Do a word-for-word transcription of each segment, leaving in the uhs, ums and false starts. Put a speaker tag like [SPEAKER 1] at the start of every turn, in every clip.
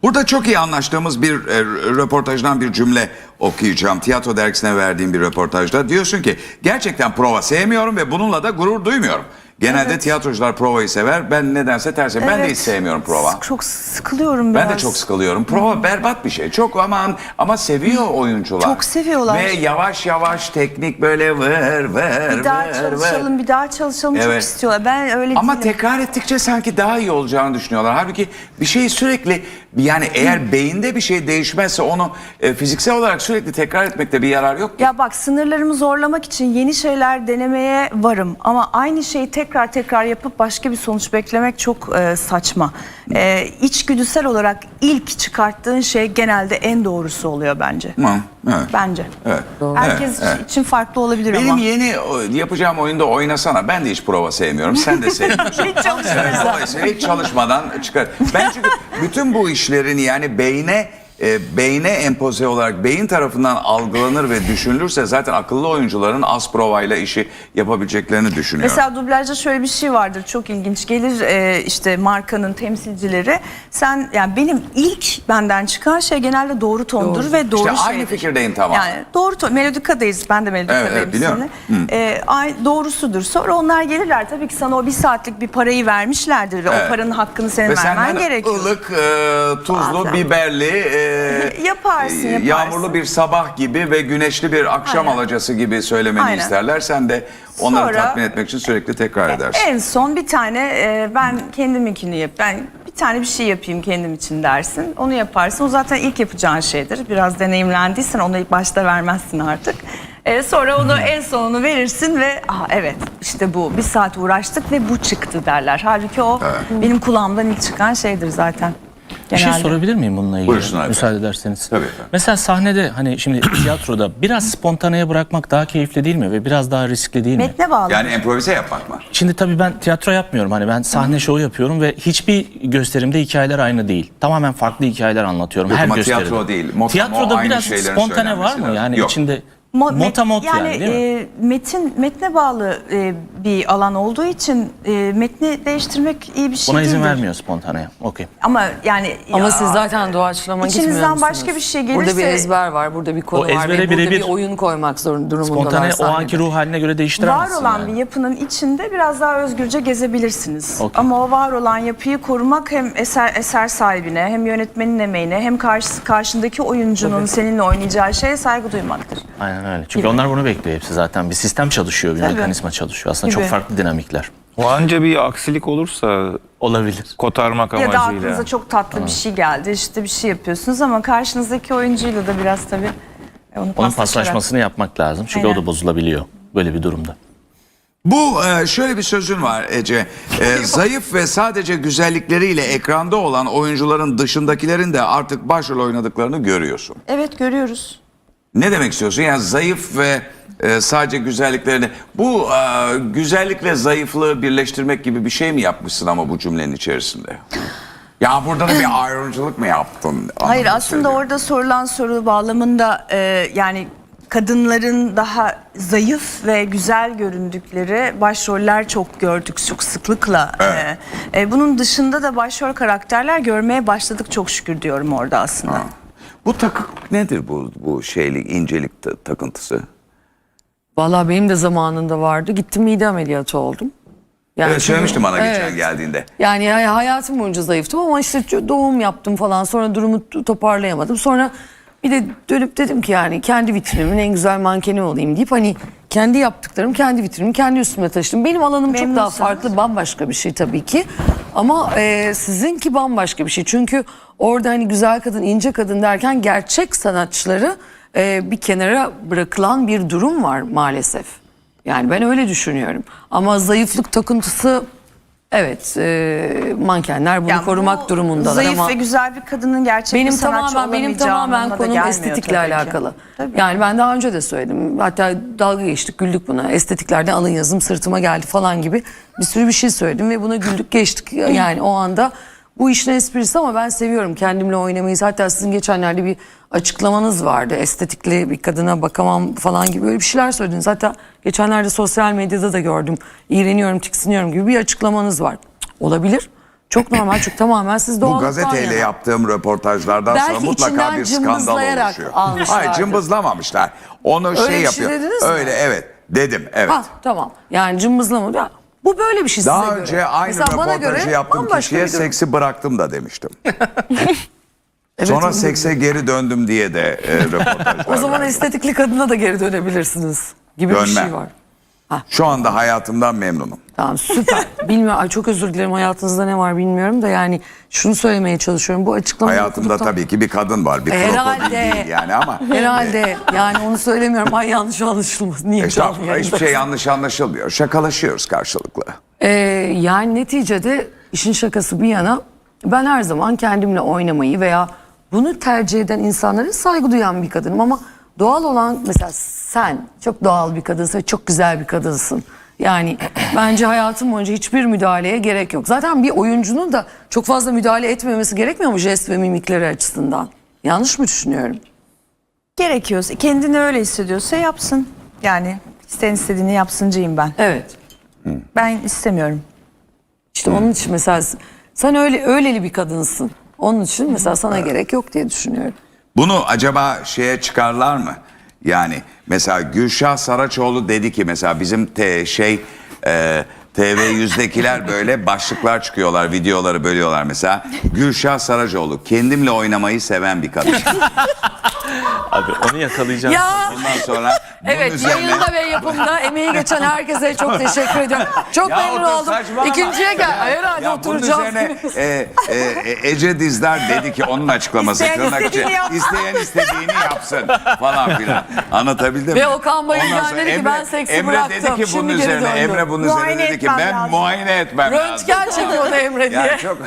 [SPEAKER 1] Burada çok iyi anlaştığımız bir e, röportajdan bir cümle okuyacağım. Tiyatro dergisine verdiğim bir röportajda. Diyorsun ki gerçekten prova sevmiyorum ve bununla da gurur duymuyorum. Genelde evet. tiyatrocular provayı sever. Ben nedense tersi. Evet. Ben de hiç sevmiyorum prova.
[SPEAKER 2] Çok sıkılıyorum biraz.
[SPEAKER 1] Ben de çok sıkılıyorum. Prova hmm. berbat bir şey. Çok aman ama seviyor oyuncular.
[SPEAKER 2] Çok seviyorlar.
[SPEAKER 1] Ve yavaş yavaş teknik böyle vır vır
[SPEAKER 2] bir daha
[SPEAKER 1] vır,
[SPEAKER 2] çalışalım,
[SPEAKER 1] vır.
[SPEAKER 2] bir daha çalışalım evet. çok istiyorlar. Ben öyle
[SPEAKER 1] Ama
[SPEAKER 2] değilim.
[SPEAKER 1] tekrar ettikçe sanki daha iyi olacağını düşünüyorlar. Halbuki bir şeyi sürekli yani eğer hmm. beyinde bir şey değişmezse onu e, fiziksel olarak sürekli tekrar etmekte bir yarar yok ki.
[SPEAKER 2] Ya bak sınırlarımı zorlamak için yeni şeyler denemeye varım. Ama aynı şeyi tekrar tekrar yapıp başka bir sonuç beklemek çok e, saçma. E, içgüdüsel olarak ilk çıkarttığın şey genelde en doğrusu oluyor bence.
[SPEAKER 1] Hı, evet.
[SPEAKER 2] Bence.
[SPEAKER 1] Evet.
[SPEAKER 2] Herkes evet, evet. için farklı olabilir
[SPEAKER 1] Benim
[SPEAKER 2] ama.
[SPEAKER 1] Benim yeni yapacağım oyunda oynasana. Ben de hiç prova sevmiyorum. Sen de sevmiyorsun.
[SPEAKER 2] Hiç çalışmıyorsun.
[SPEAKER 1] Dolayısıyla hiç çalışmadan çıkar. Ben çünkü bütün bu işlerin yani beyne E, beyne empoze olarak beyin tarafından algılanır ve düşünülürse zaten akıllı oyuncuların az provayla işi yapabileceklerini düşünüyorum.
[SPEAKER 2] Mesela dublajda şöyle bir şey vardır çok ilginç gelir e, işte markanın temsilcileri sen yani benim ilk benden çıkan şey genelde doğru tondur doğru. ve doğru
[SPEAKER 1] işte
[SPEAKER 2] şeydir.
[SPEAKER 1] Aynı fikirdeyim tamam.
[SPEAKER 2] Yani doğru ton Melodika'dayız ben de Melodika'dayım.
[SPEAKER 1] Evet, evet biliyorum.
[SPEAKER 2] E, doğrusudur sonra onlar gelirler tabii ki sana o bir saatlik bir parayı vermişlerdir ve evet. o paranın hakkını senin
[SPEAKER 1] ve
[SPEAKER 2] vermen
[SPEAKER 1] hani
[SPEAKER 2] gerekiyor.
[SPEAKER 1] Ilık, e, tuzlu, Bazen. biberli, e,
[SPEAKER 2] yaparsın, yaparsın.
[SPEAKER 1] yağmurlu bir sabah gibi ve güneşli bir akşam Aynen. alacası gibi söylemeni Aynen. isterler. Sen de onları Sonra, tatmin etmek için sürekli tekrar edersin.
[SPEAKER 2] En son bir tane e, ben kendiminkini yap. Ben bir tane bir şey yapayım kendim için dersin. Onu yaparsın. O zaten ilk yapacağın şeydir. Biraz deneyimlendiysen onu ilk başta vermezsin artık. E, sonra onu en sonunu verirsin ve ah evet işte bu bir saat uğraştık ve bu çıktı derler. Halbuki o evet. benim kulağımdan ilk çıkan şeydir zaten.
[SPEAKER 3] Bir şey sorabilir miyim bununla ilgili?
[SPEAKER 1] Buyursun
[SPEAKER 3] Müsaade ederseniz.
[SPEAKER 1] Tabii.
[SPEAKER 3] Mesela sahnede hani şimdi tiyatroda biraz spontaneye bırakmak daha keyifli değil mi? Ve biraz daha riskli değil mi?
[SPEAKER 2] Metne bağlı.
[SPEAKER 1] Yani improvize yapmak mı?
[SPEAKER 3] Şimdi tabii ben tiyatro yapmıyorum. Hani ben sahne şovu yapıyorum ve hiçbir gösterimde hikayeler aynı değil. Tamamen farklı hikayeler anlatıyorum.
[SPEAKER 1] Yok,
[SPEAKER 3] her
[SPEAKER 1] ama
[SPEAKER 3] gösteride.
[SPEAKER 1] tiyatro değil. Motamo,
[SPEAKER 3] Tiyatroda biraz spontane var mı? Yani
[SPEAKER 1] Yok.
[SPEAKER 3] içinde...
[SPEAKER 2] Mo
[SPEAKER 3] Motamot
[SPEAKER 2] yani,
[SPEAKER 3] yani değil mi?
[SPEAKER 2] E, metin metne bağlı e, bir alan olduğu için e, metni değiştirmek iyi bir şey
[SPEAKER 3] Buna izin
[SPEAKER 2] değildir.
[SPEAKER 3] vermiyor spontaneye. Okey.
[SPEAKER 2] Ama yani
[SPEAKER 4] ama
[SPEAKER 2] ya,
[SPEAKER 4] siz zaten doğaçlama gitmiyor
[SPEAKER 2] İçinizden
[SPEAKER 4] musunuz?
[SPEAKER 2] başka bir şey gelirse
[SPEAKER 4] burada bir ezber var, burada bir konu
[SPEAKER 3] O
[SPEAKER 4] var ve burada
[SPEAKER 3] bire
[SPEAKER 4] bir
[SPEAKER 3] bir
[SPEAKER 4] oyun koymak zorunda durumundalar.
[SPEAKER 3] Spontane o
[SPEAKER 4] sahnede.
[SPEAKER 3] anki ruh haline göre değiştiremezsin.
[SPEAKER 2] Var olan
[SPEAKER 3] yani.
[SPEAKER 2] bir yapının içinde biraz daha özgürce gezebilirsiniz.
[SPEAKER 3] Okay.
[SPEAKER 2] Ama o var olan yapıyı korumak hem eser eser sahibine hem yönetmenin emeğine hem karşı, karşındaki oyuncunun Tabii. seninle oynayacağı şeye saygı duymaktır.
[SPEAKER 3] Aynen öyle. Çünkü Gibi. onlar bunu bekliyor hepsi zaten. Bir sistem çalışıyor, bir Tabii. mekanizma çalışıyor. Aslında Gibi. çok farklı dinamikler.
[SPEAKER 5] O anca bir aksilik olursa
[SPEAKER 3] olabilir.
[SPEAKER 5] Kotarmak amacıyla.
[SPEAKER 2] Ya da aklınıza çok tatlı ha. bir şey geldi. İşte bir şey yapıyorsunuz ama karşınızdaki oyuncuyla da biraz tabii onu
[SPEAKER 3] onun paslaşmasını yapmak lazım. Çünkü Aynen. o da bozulabiliyor böyle bir durumda.
[SPEAKER 1] Bu şöyle bir sözün var Ece. E, zayıf ve sadece güzellikleriyle ekranda olan oyuncuların dışındakilerin de artık başrol oynadıklarını görüyorsun.
[SPEAKER 2] Evet görüyoruz.
[SPEAKER 1] Ne demek istiyorsun? Yani zayıf ve e, sadece güzelliklerini... Bu e, güzellikle zayıflığı birleştirmek gibi bir şey mi yapmışsın ama bu cümlenin içerisinde? Ya burada da bir ayrımcılık mı yaptın?
[SPEAKER 2] Hayır aslında orada sorulan soru bağlamında e, yani... Kadınların daha zayıf ve güzel göründükleri başroller çok gördük çok sıklıkla. Evet. Ee, e, bunun dışında da başrol karakterler görmeye başladık çok şükür diyorum orada aslında. Ha.
[SPEAKER 1] Bu takık nedir bu bu şeylik incelik takıntısı?
[SPEAKER 4] Vallahi benim de zamanında vardı. Gittim mide ameliyatı oldum.
[SPEAKER 1] Yani evet söylemiştim bana
[SPEAKER 4] evet.
[SPEAKER 1] geçen geldiğinde.
[SPEAKER 4] Yani hayatım boyunca zayıftım ama işte doğum yaptım falan sonra durumu toparlayamadım. Sonra bir de dönüp dedim ki yani kendi vitrinimin en güzel mankeni olayım deyip hani kendi yaptıklarım, kendi vitrinimi kendi üstüme taşıdım. Benim alanım Memnunsan. çok daha farklı, bambaşka bir şey tabii ki. Ama e, sizinki bambaşka bir şey. Çünkü orada hani güzel kadın, ince kadın derken gerçek sanatçıları e, bir kenara bırakılan bir durum var maalesef. Yani ben öyle düşünüyorum. Ama zayıflık takıntısı... Evet, e, mankenler bunu yani korumak bu durumundalar
[SPEAKER 2] zayıf
[SPEAKER 4] ama...
[SPEAKER 2] Zayıf ve güzel bir kadının gerçek
[SPEAKER 4] benim
[SPEAKER 2] bir sanatçı
[SPEAKER 4] tamamen, Benim tamamen konum estetikle alakalı. Tabii. Yani ben daha önce de söyledim. Hatta dalga geçtik, güldük buna. Estetiklerden alın yazım sırtıma geldi falan gibi bir sürü bir şey söyledim ve buna güldük geçtik. Yani o anda bu işin esprisi ama ben seviyorum kendimle oynamayı. Hatta sizin geçenlerde bir açıklamanız vardı. Estetikli bir kadına bakamam falan gibi öyle bir şeyler söylediniz. Hatta geçenlerde sosyal medyada da gördüm. İğreniyorum, tiksiniyorum gibi bir açıklamanız var. Olabilir. Çok normal çünkü tamamen siz
[SPEAKER 1] Bu
[SPEAKER 4] doğallıktan
[SPEAKER 1] gazeteyle
[SPEAKER 4] yana.
[SPEAKER 1] yaptığım röportajlardan
[SPEAKER 4] Belki
[SPEAKER 1] sonra mutlaka
[SPEAKER 4] içinden
[SPEAKER 1] bir skandal
[SPEAKER 4] cımbızlayarak
[SPEAKER 1] oluşuyor.
[SPEAKER 4] almışlardır.
[SPEAKER 1] Hayır, cımbızlamamışlar. Onu
[SPEAKER 4] Öyle
[SPEAKER 1] şey
[SPEAKER 4] bir şey
[SPEAKER 1] yapıyor.
[SPEAKER 4] dediniz mi?
[SPEAKER 1] Öyle, evet dedim, evet.
[SPEAKER 4] Ha tamam. Yani cımbızlama. Ya, bu böyle bir şey
[SPEAKER 1] Daha
[SPEAKER 4] size
[SPEAKER 1] önce
[SPEAKER 4] göre.
[SPEAKER 1] aynı
[SPEAKER 4] Mesela bana
[SPEAKER 1] röportajı
[SPEAKER 4] göre
[SPEAKER 1] yaptığım
[SPEAKER 4] bambaşka
[SPEAKER 1] kişiye
[SPEAKER 4] bir durum.
[SPEAKER 1] seksi bıraktım da demiştim.
[SPEAKER 4] Evet,
[SPEAKER 1] Sonra
[SPEAKER 4] onu da
[SPEAKER 1] sekse geri döndüm diye de e, röportajlar
[SPEAKER 4] O zaman
[SPEAKER 1] verdim.
[SPEAKER 4] estetikli kadına da geri dönebilirsiniz gibi bir
[SPEAKER 1] Dönmem.
[SPEAKER 4] şey var.
[SPEAKER 1] Şu anda hayatımdan memnunum.
[SPEAKER 4] Tamam süper. Bilmiyorum, ay çok özür dilerim, hayatınızda ne var bilmiyorum da yani şunu söylemeye çalışıyorum. Bu açıklamayı
[SPEAKER 1] Hayatımda
[SPEAKER 4] okuduktan-
[SPEAKER 1] tabii ki bir kadın var. Bir
[SPEAKER 4] Herhalde.
[SPEAKER 1] krokodil değil yani ama.
[SPEAKER 4] Herhalde yani onu söylemiyorum. Ay yanlış anlaşılmaz. Niye canım
[SPEAKER 1] Estağfurullah,
[SPEAKER 4] yayında?
[SPEAKER 1] hiçbir şey yanlış anlaşılmıyor. Şakalaşıyoruz karşılıklı.
[SPEAKER 4] Ee, yani neticede işin şakası bir yana ben her zaman kendimle oynamayı veya bunu tercih eden insanlara saygı duyan bir kadınım ama doğal olan, mesela sen çok doğal bir kadınsın ve çok güzel bir kadınsın. Yani bence hayatım boyunca hiçbir müdahaleye gerek yok. Zaten bir oyuncunun da çok fazla müdahale etmemesi gerekmiyor mu jest ve mimikleri açısından? Yanlış mı düşünüyorum?
[SPEAKER 2] Gerekiyorsa, kendini öyle hissediyorsa yapsın. Yani isteyen istediğini yapsıncıyım ben.
[SPEAKER 4] Evet.
[SPEAKER 2] Ben istemiyorum.
[SPEAKER 4] İşte onun için mesela sen öyle öyleli bir kadınsın. Onun için mesela sana gerek yok diye düşünüyorum.
[SPEAKER 1] Bunu acaba şeye çıkarlar mı? Yani mesela Gülşah Saraçoğlu dedi ki mesela bizim te, şey e, T V yüzdekiler böyle başlıklar çıkıyorlar, videoları bölüyorlar mesela. Gülşah Saraçoğlu kendimle oynamayı seven bir kadın.
[SPEAKER 3] Abi onu yakalayacağım.
[SPEAKER 4] Ya
[SPEAKER 1] Ondan sonra bunun
[SPEAKER 4] evet,
[SPEAKER 1] üzerine...
[SPEAKER 4] yayında ve yapımda emeği geçen herkese çok teşekkür ediyorum. Çok
[SPEAKER 1] Ya
[SPEAKER 4] memnun
[SPEAKER 1] otur,
[SPEAKER 4] oldum.
[SPEAKER 1] saçmalama.
[SPEAKER 4] İkinciye gel. Herhalde
[SPEAKER 1] Ya bunun
[SPEAKER 4] oturacağım.
[SPEAKER 1] üzerine e, e, e, Ece Dizdar dedi ki onun açıklaması
[SPEAKER 2] İsteyen
[SPEAKER 1] tırnak içi,
[SPEAKER 2] istediğini yapsın.
[SPEAKER 1] isteyen istediğini yapsın falan filan. Anlatabildim mi?
[SPEAKER 4] Ve Okan Bayülgen
[SPEAKER 1] Ondan sonra
[SPEAKER 4] dedi ki, ben seksi
[SPEAKER 1] Emre
[SPEAKER 4] bıraktım,
[SPEAKER 1] dedi ki bunun
[SPEAKER 4] şimdi geri
[SPEAKER 1] üzerine
[SPEAKER 4] döndüm.
[SPEAKER 1] Emre bunun
[SPEAKER 2] Muayene
[SPEAKER 1] üzerine dedi ki
[SPEAKER 2] etmem
[SPEAKER 1] ben
[SPEAKER 2] lazım.
[SPEAKER 1] muayene etmem lazım.
[SPEAKER 4] Röntgen çekiyordu Emre diye.
[SPEAKER 1] Yani çok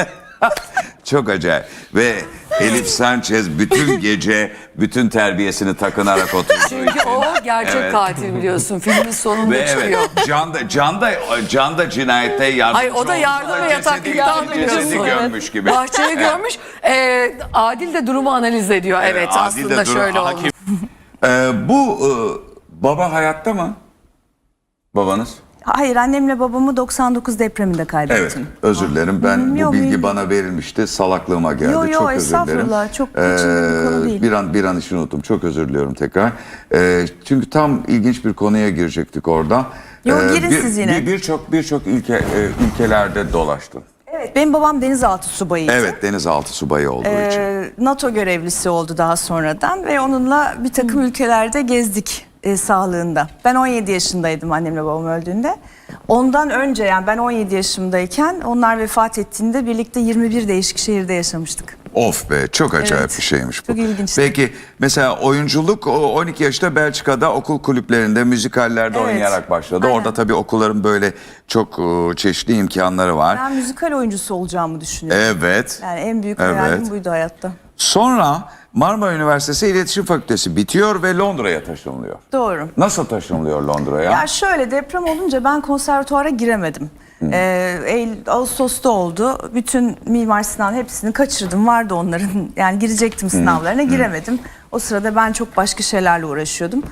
[SPEAKER 1] çok acayip. Ve Elif Sanchez bütün gece bütün terbiyesini takınarak oturduğu
[SPEAKER 4] Çünkü
[SPEAKER 1] için.
[SPEAKER 4] o gerçek
[SPEAKER 1] Evet.
[SPEAKER 4] katil biliyorsun. Filmin sonunda
[SPEAKER 1] Ve
[SPEAKER 4] çıkıyor.
[SPEAKER 1] evet, Can da, Can da, Can da cinayette yardımcı
[SPEAKER 4] Hayır, o da yardım
[SPEAKER 1] oldu.
[SPEAKER 4] ve yataklıktan
[SPEAKER 1] Cesedi, cesedi gömmüş gibi.
[SPEAKER 4] Bahçeyi görmüş. Ee, Adil de durumu analiz ediyor. Evet,
[SPEAKER 1] Adil de
[SPEAKER 4] aslında
[SPEAKER 1] dur-
[SPEAKER 4] şöyle
[SPEAKER 1] hakim.
[SPEAKER 4] olmuş.
[SPEAKER 1] Ee, bu e, baba hayatta mı? Babanız?
[SPEAKER 2] Hayır, annemle babamı doksan dokuz depreminde
[SPEAKER 1] Evet.
[SPEAKER 2] kaybettim.
[SPEAKER 1] Özür dilerim. Ben
[SPEAKER 2] Hı,
[SPEAKER 1] bu
[SPEAKER 2] yok,
[SPEAKER 1] bilgi
[SPEAKER 2] mühim
[SPEAKER 1] bana verilmişti. Salaklığıma geldi.
[SPEAKER 2] Yo, yo,
[SPEAKER 1] çok özür dilerim.
[SPEAKER 2] estağfurullah. Çok içinde bir konu değil.
[SPEAKER 1] Bir an bir an için unuttum. Çok özür diliyorum tekrar. Ee, çünkü tam ilginç bir konuya girecektik orada.
[SPEAKER 2] Yo,
[SPEAKER 1] Ee,
[SPEAKER 2] girin
[SPEAKER 1] bir-
[SPEAKER 2] siz yine.
[SPEAKER 1] bir- Birçok birçok ülke e, ülkelerde dolaştın.
[SPEAKER 2] Evet, benim babam denizaltı subayıydı.
[SPEAKER 1] Evet, denizaltı subayı olduğu için.
[SPEAKER 2] Ee, NATO görevlisi oldu daha sonradan ve onunla bir takım ülkelerde gezdik e, sağlığında. Ben on yedi yaşındaydım annemle babam öldüğünde. Ondan önce, yani ben on yedi yaşımdayken onlar vefat ettiğinde birlikte yirmi bir değişik şehirde yaşamıştık.
[SPEAKER 1] Of be, çok acayip
[SPEAKER 2] Evet.
[SPEAKER 1] bir şeymiş bu.
[SPEAKER 2] Çok ilginçti.
[SPEAKER 1] Peki mesela oyunculuk o on iki yaşta Belçika'da okul kulüplerinde, müzikallerde
[SPEAKER 2] Evet.
[SPEAKER 1] oynayarak başladı.
[SPEAKER 2] Aynen.
[SPEAKER 1] Orada tabii okulların böyle çok e, çeşitli imkanları var.
[SPEAKER 2] Ben müzikal oyuncusu olacağımı düşünüyorum.
[SPEAKER 1] Evet.
[SPEAKER 2] Yani en büyük
[SPEAKER 1] Evet.
[SPEAKER 2] hayalim buydu hayatta.
[SPEAKER 1] Sonra Marmara Üniversitesi İletişim Fakültesi bitiyor ve Londra'ya taşınılıyor.
[SPEAKER 2] Doğru.
[SPEAKER 1] Nasıl taşınılıyor Londra'ya?
[SPEAKER 2] Ya şöyle, deprem olunca ben konservatuara giremedim. Ee, Eylül, Ağustos'ta oldu. Bütün Mimar Sinan hepsini kaçırdım. Vardı onların. Yani girecektim sınavlarına, giremedim. O sırada ben çok başka şeylerle uğraşıyordum.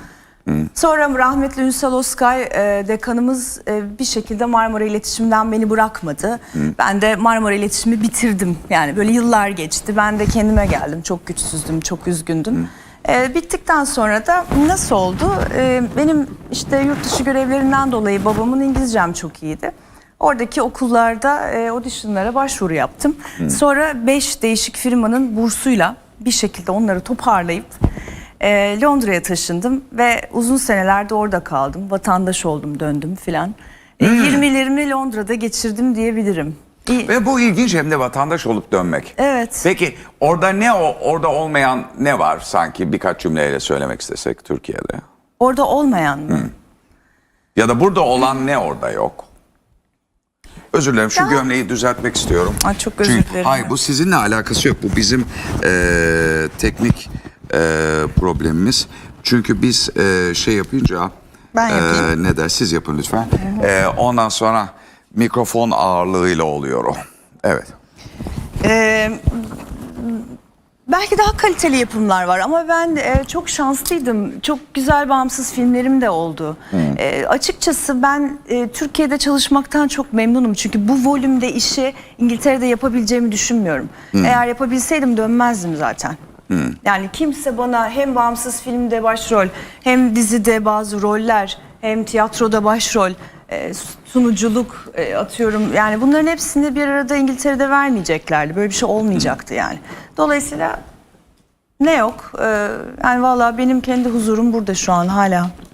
[SPEAKER 2] Sonra rahmetli Ünsal Oskay e, dekanımız e, bir şekilde Marmara İletişim'den beni bırakmadı. Ben de Marmara İletişim'i bitirdim. Yani böyle yıllar geçti. Ben de kendime geldim. Çok güçsüzdüm, çok üzgündüm. E, bittikten sonra da nasıl oldu? E, benim işte yurt dışı görevlerinden dolayı babamın İngilizcem çok iyiydi. Oradaki okullarda e, auditionlara başvuru yaptım. Sonra beş değişik firmanın bursuyla bir şekilde onları toparlayıp e, Londra'ya taşındım ve uzun senelerde orada kaldım. Vatandaş oldum, döndüm filan. E, yirmilerimi Londra'da geçirdim diyebilirim. İyi.
[SPEAKER 1] Ve bu ilginç, hem de vatandaş olup dönmek.
[SPEAKER 2] Evet.
[SPEAKER 1] Peki orada ne o orada olmayan ne var sanki, birkaç cümleyle söylemek istesek Türkiye'de?
[SPEAKER 2] Orada olmayan mı?
[SPEAKER 1] Ya da burada olan ne orada yok? Özür dilerim, şu gömleği düzeltmek istiyorum.
[SPEAKER 2] Ay, çok özür
[SPEAKER 1] Çünkü,
[SPEAKER 2] dilerim.
[SPEAKER 1] hayır, bu sizinle alakası yok. Bu bizim eee, teknik eee, problemimiz. Çünkü biz eee, şey yapınca...
[SPEAKER 2] Ben yapayım.
[SPEAKER 1] eee, ne der, siz yapın lütfen. Eee, ondan sonra mikrofon ağırlığıyla oluyor o. Evet.
[SPEAKER 2] Ee, Belki daha kaliteli yapımlar var ama ben e, çok şanslıydım. Çok güzel bağımsız filmlerim de oldu. E, açıkçası ben e, Türkiye'de çalışmaktan çok memnunum. Çünkü bu volümde işi İngiltere'de yapabileceğimi düşünmüyorum. Eğer yapabilseydim dönmezdim zaten. Yani kimse bana hem bağımsız filmde başrol, hem dizide bazı roller, hem tiyatroda başrol, e, sunuculuk e, atıyorum. Yani bunların hepsini bir arada İngiltere'de vermeyeceklerdi. Böyle bir şey olmayacaktı yani. Dolayısıyla ne yok? E, yani vallahi benim kendi huzurum burada şu an hala.